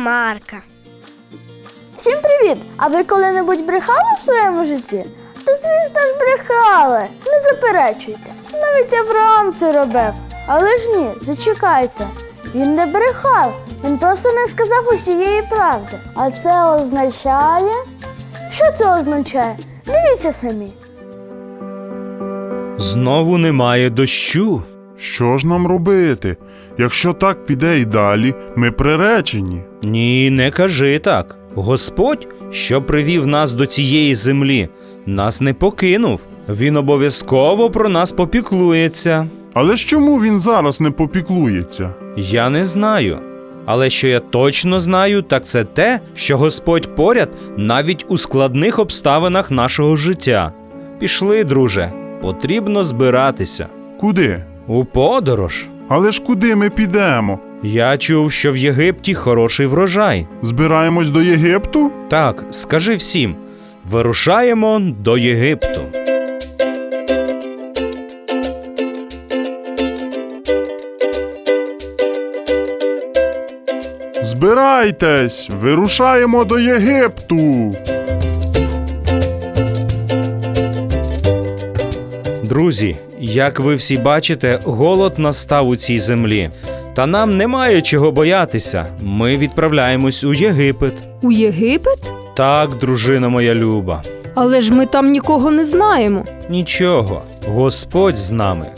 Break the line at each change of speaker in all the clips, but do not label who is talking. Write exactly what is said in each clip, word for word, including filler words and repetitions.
Марка.
Всім привіт! А ви коли-небудь брехали в своєму житті? Та звісно ж брехали, не заперечуйте. Навіть Авраам це робив. Але ж ні, зачекайте. Він не брехав, він просто не сказав усієї правди. А це означає… Що це означає? Дивіться самі.
Знову немає дощу.
Що ж нам робити? Якщо так піде й далі, ми приречені.
Ні, не кажи так. Господь, що привів нас до цієї землі, нас не покинув. Він обов'язково про нас попіклується.
Але ж чому він зараз не попіклується?
Я не знаю. Але що я точно знаю, так це те, що Господь поряд навіть у складних обставинах нашого життя. Пішли, друже, потрібно збиратися.
Куди?
У подорож.
Але ж куди ми підемо?
Я чув, що в Єгипті хороший врожай.
Збираємось до Єгипту?
Так, скажи всім, вирушаємо до Єгипту.
Збирайтесь, вирушаємо до Єгипту.
Друзі, як ви всі бачите, голод настав у цій землі. Та нам немає чого боятися. Ми відправляємось у Єгипет.
У Єгипет?
Так, дружина моя люба.
Але ж ми там нікого не знаємо.
Нічого, Господь з нами.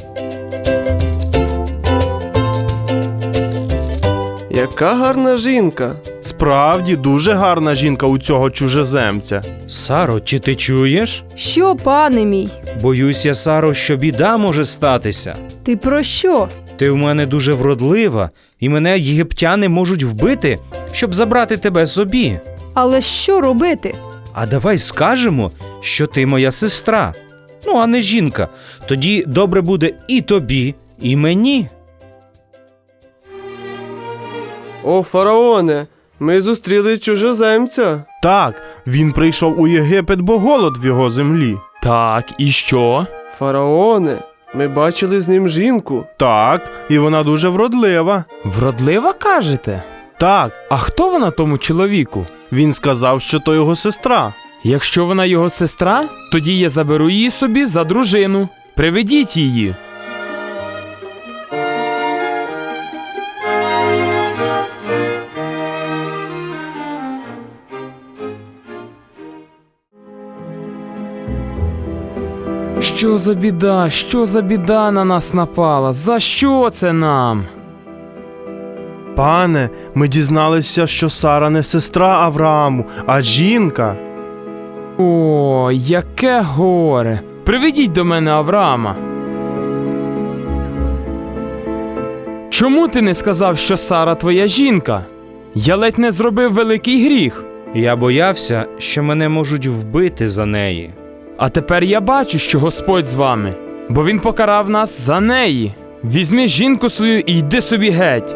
Яка гарна жінка.
Справді, дуже гарна жінка у цього чужеземця.
Саро, чи ти чуєш?
Що, пане мій?
Боюся, Саро, що біда може статися.
Ти про що?
Ти в мене дуже вродлива, і мене єгиптяни можуть вбити, щоб забрати тебе собі.
Але що робити?
А давай скажемо, що ти моя сестра. Ну, а не жінка. Тоді добре буде і тобі, і мені.
О, фараоне, ми зустріли чужоземця.
Так, він прийшов у Єгипет, бо голод в його землі. Так, і що?
Фараоне, ми бачили з ним жінку.
Так, і вона дуже вродлива.
Вродлива, кажете?
Так,
А хто вона тому чоловіку?
він сказав, що то його сестра.
Якщо вона його сестра, тоді я заберу її собі за дружину. Приведіть її. Що за біда, що за біда на нас напала? За що це нам?
Пане, ми дізналися, що Сара не сестра Аврааму, а жінка.
О, яке горе! Приведіть до мене Авраама. Чому ти не сказав, що Сара твоя жінка? Я ледь не зробив великий гріх.
Я боявся, що мене можуть вбити за неї.
А тепер я бачу, що Господь з вами, бо Він покарав нас за неї. Візьми жінку свою і йди собі геть.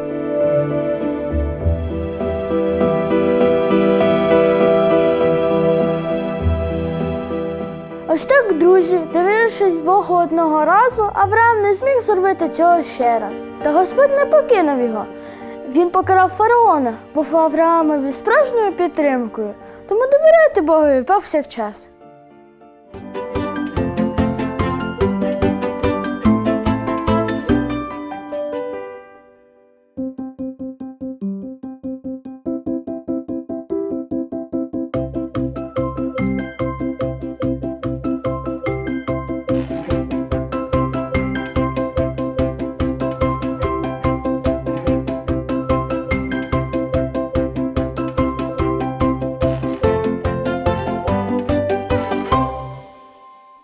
Ось так, друзі, довірившись Богу одного разу, Авраам не зміг зробити цього ще раз. Та Господь не покинув його. Він покарав фараона, був Авраамові справжньою підтримкою. Тому довіряйте Богові повсякчас.